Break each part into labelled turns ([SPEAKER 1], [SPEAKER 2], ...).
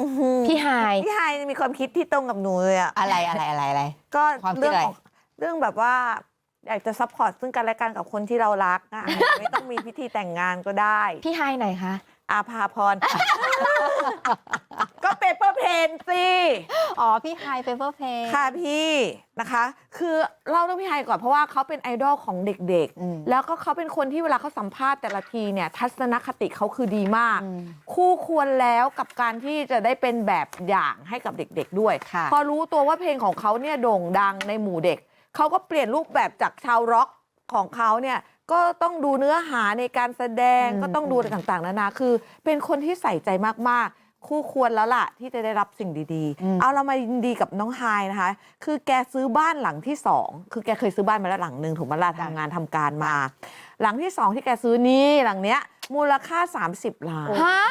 [SPEAKER 1] พี่ไฮาย
[SPEAKER 2] มีความคิดที่ตรงกับหนูเลยอะ
[SPEAKER 3] อะไร
[SPEAKER 2] ก็
[SPEAKER 3] ความคิด
[SPEAKER 2] เรื่อง
[SPEAKER 3] อะไร
[SPEAKER 2] ของเรื่องแบบว่าอยากจะซัพพอร์ตซึ่งกันและกันกับคนที่เรารักอะไม่ต้องมีพิธีแต่งงานก็ได้
[SPEAKER 1] พี่ไฮายไหนคะ
[SPEAKER 2] อาภาพร ก็เปเปอร์เพนสิ
[SPEAKER 3] อ๋อพี่ไฮเปเปอร์เพลย์
[SPEAKER 2] ค่ะพี่นะคะ คือเล่าเรื่องพี่ไฮก่อนเพราะว่าเขาเป็นไอดอลของเด็กๆ แล้วก็เขาเป็นคนที่เวลาเขาสัมภาษณ์แต่ละทีเนี่ยทัศนคติเขาคือดีมาก คู่ควรแล้วกับการที่จะได้เป็นแบบอย่างให้กับเด็กๆด้วย พอรู้ตัวว่าเพลงของเขาเนี่ยโด่งดังในหมู่เด็กเขาก็เปลี่ยนรูปแบบจากชาวร็อกของเขาเนี่ยก็ต้องดูเนื้อหาในการแสดงก็ต้องดูอะไรต่างๆนานาคือเป็นคนที่ใส่ใจมากๆคู่ควรแล้วล่ะที่จะได้รับสิ่งดีๆเอาเรามายินดีกับน้องไฮายนะคะคือแกซื้อบ้านหลังที่2คือแกเคยซื้อบ้านมาแล้วหลังหนึ่งถูกไหมล่ะทำงานทำการมา หลังที่2ที่แกซื้อนี่หลังเนี้ยมูลค่า30 ล้าน
[SPEAKER 1] ฮะ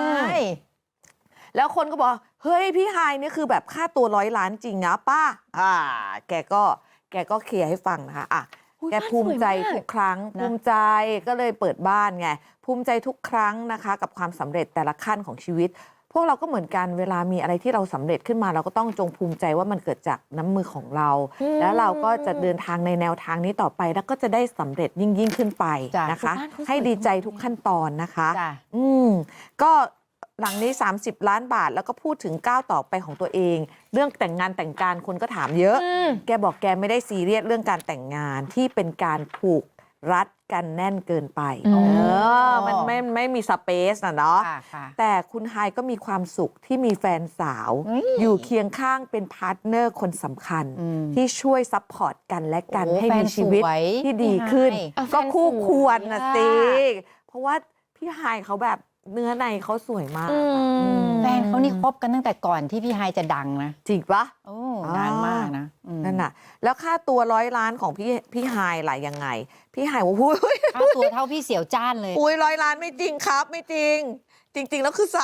[SPEAKER 2] แล้วคนก็บอกเฮ้ยพี่ไฮายนี่คือแบบค่าตัว100 ล้านจริงนะป้าแกก็เคลียร์ให้ฟังนะคะแกภูมิใจทุกครั้งภูมิใจก็เลยเปิดบ้านไงภูมิใจทุกครั้งนะคะกับความสำเร็จแต่ละขั้นของชีวิต พวกเราก็เหมือนกันเวลามีอะไรที่เราสำเร็จขึ้นมาเราก็ต้องจงภูมิใจว่ามันเกิดจากน้ำมือของเรา แล้วเราก็จะเดินทางในแนวทางนี้ต่อไปแล้วก็จะได้สำเร็จยิ่งขึ้นไปนะคะให้ดีใจทุกขั้นตอนนะคะก็หลังนี้30 ล้านบาทแล้วก็พูดถึงก้าวต่อไปของตัวเองเรื่องแต่งงานแต่งการคนก็ถามเยอะแกบอกแกไม่ได้ซีเรียสเรื่องการแต่งงานที่เป็นการผูกรัดกันแน่นเกินไปมันไม่มีสเปซนะเนาะแต่คุณไฮก็มีความสุขที่มีแฟนสาวอยู่เคียงข้างเป็นพาร์ทเนอร์คนสำคัญที่ช่วยซัพพอร์ตกันและกันให้มีชีวิตที่ดีขึ้นก็คู่ควรนะสิเพราะว่าพี่ไฮเขาแบบเนื้อในเขาสวยมาก
[SPEAKER 3] แฟนเขานี่คบกันตั้งแต่ก่อนที่พี่ไฮจะดังนะ
[SPEAKER 2] จริงปะ
[SPEAKER 3] โอ้นานมากนะ
[SPEAKER 2] นั่นน่ะแล้วค่าตัว100 ล้านของพี่ไฮล่ะยังไงพี่ไฮว่า
[SPEAKER 3] ค่าตัวเท่าพี่เสี่ยวจ้านเลย
[SPEAKER 2] 100 ล้านไม่จริงครับไม่จริงจริงๆแล้วคือ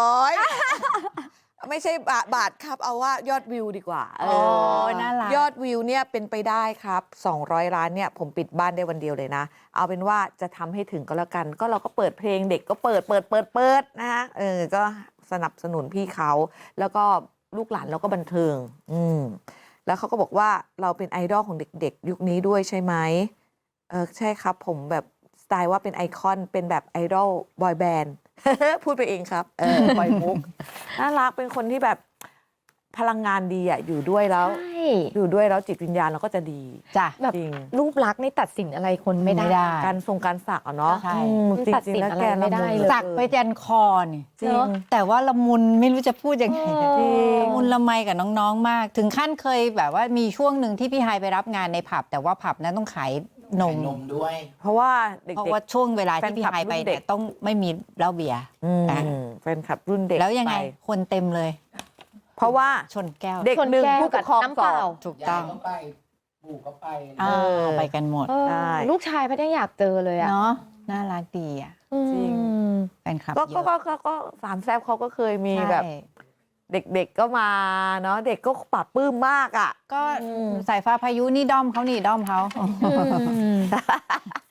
[SPEAKER 2] 300ไม่ใช่บาทครับเอาว่ายอดวิวดีกว่า
[SPEAKER 3] น่ารัก
[SPEAKER 2] ยอดวิวเนี่ยเป็นไปได้ครับ200 ล้านเนี่ยผมปิดบ้านได้วันเดียวเลยนะเอาเป็นว่าจะทำให้ถึงก็แล้วกันก็เราก็เปิดเพลงเด็กก็เปิดนะฮะก็สนับสนุนพี่เขาแล้วก็ลูกหลานเราก็บันเทิงแล้วเขาก็บอกว่าเราเป็นไอดอลของเด็กๆยุคนี้ด้วยใช่ไหมใช่ครับผมแบบสไตล์ว่าเป็นไอคอนเป็นแบบไอดอลบอยแบนด์ พูดไปเองครับปล่อยมุกน่ารักเป็นคนที่แบบพลังงานดีอ่ะอยู่ด้วยแล้วจิตวิญญาณเราก็จะดี
[SPEAKER 3] จ้ะ
[SPEAKER 2] แบบ
[SPEAKER 1] รูปลักษณ์ไม่ตัดสินอะไรคนไม่ได้
[SPEAKER 2] การสักเนาะ
[SPEAKER 1] ตัดสินอะไรไม่ได้เลย
[SPEAKER 3] สักไปยันคอนี่
[SPEAKER 2] จริง
[SPEAKER 3] แต่ว่าละมุนไม่รู้จะพูดยังไงละมุนละไมกับน้องๆมากถึงขั้นเคยแบบว่ามีช่วงหนึ่งที่พี่ไฮไปรับงานในผับแต่ว่าผับนั้นต้องขายนม
[SPEAKER 4] ด้วย
[SPEAKER 2] เพราะว่าเด็ก
[SPEAKER 3] เพราะว่าช่วงเวลาที่พี่ไฮไปเนี่ยต้องไม่มีเหล้าเบียร์
[SPEAKER 2] แฟนคลับรุ่นเด็ก
[SPEAKER 3] แล้วยังไงคนเต็มเลย
[SPEAKER 2] เพราะว่า
[SPEAKER 3] ชนแก้ว
[SPEAKER 2] เด็กหนึ่งผู้ปกครองสอง
[SPEAKER 3] ถูกต้อง
[SPEAKER 4] ไปปู่ก็ไป
[SPEAKER 3] ไปกันหมด
[SPEAKER 1] ลูกชายพัดยังอยากเจอเลยอะ
[SPEAKER 3] เนาะน่ารักดีอ่ะ
[SPEAKER 2] จริง
[SPEAKER 3] แฟนคลับ
[SPEAKER 2] ก็สามแซ่บเขาก็เคยมีแบบเด็กๆก็มาเนาะเด็กก็ปรับปลื้มมากอ่ะ
[SPEAKER 3] ก็สายฟ้าพายุนี่ด้อมเขานี่ด้อมเขา